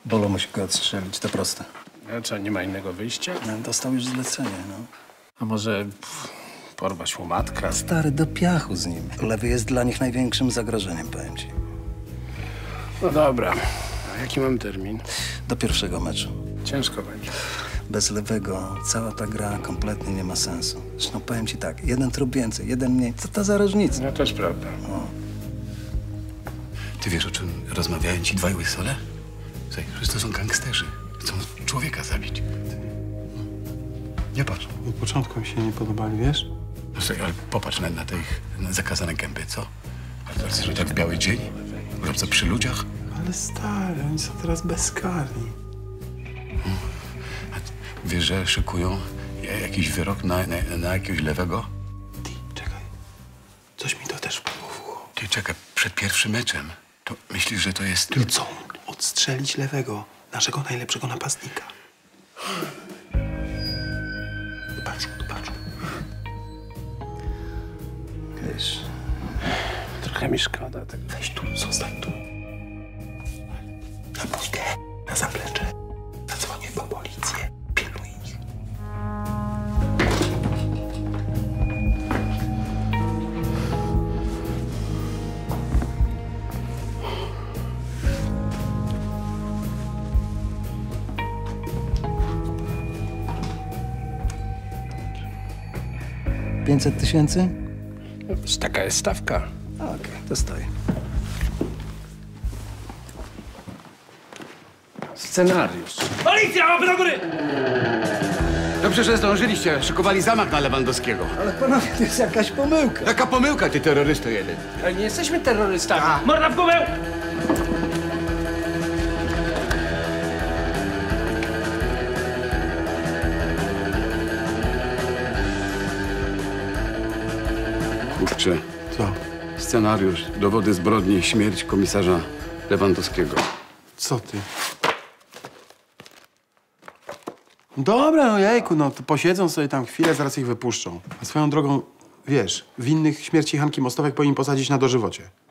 Bolo musi go odstrzelić, to proste. A co, nie ma innego wyjścia? No, dostał już zlecenie, no. A może porwać łomatka? Stary, do piachu z nim. Lewy jest dla nich największym zagrożeniem, powiem ci. No dobra. A jaki mam termin? Do pierwszego meczu. Ciężko będzie. Bez Lewego cała ta gra kompletnie nie ma sensu. Zresztą powiem ci tak, jeden trup więcej, jeden mniej. Co to za różnica? No też prawda. Ty wiesz, o czym rozmawiają ci dwaj łysole? Słuchaj, że to są gangsterzy. Chcą człowieka zabić. Nie patrz. Od początku mi się nie podobali, wiesz? No słuchaj, ale popatrz na te ich zakazane gęby, co? Ale teraz, że tak w biały dzień? Robca przy ludziach? Ale stary, oni są teraz bezkarni. A wiesz, że szykują jakiś wyrok na jakiegoś Lewego? Ty, czekaj. Coś mi to też wpadło w ucho. Ty czekaj, przed pierwszym meczem. To myślisz, że to jest... Chcą odstrzelić Lewego, naszego najlepszego napastnika. Patrz. Wiesz, Trochę mi szkoda tego. Weź tu, zostań tu. Na pójkę, na zaplecze. Zadzwonię po policję. Pilnuj ich. $500 000? Taka jest stawka. Okej, to stoi. Scenariusz. Policja, łapy do góry! Dobrze, że zdążyliście. Szykowali zamach na Lewandowskiego. Ale panowie, to jest jakaś pomyłka. Jaka pomyłka, ty terrorysto jeden. Ale nie jesteśmy terrorystami. Morda w głowę! Kurczę. Co? Scenariusz, dowody zbrodni, śmierć komisarza Lewandowskiego. Co ty? Dobra, no jejku, no to posiedzą sobie tam chwilę, zaraz ich wypuszczą. A swoją drogą, wiesz, winnych śmierci Hanki Mostowek powinni posadzić na dożywocie.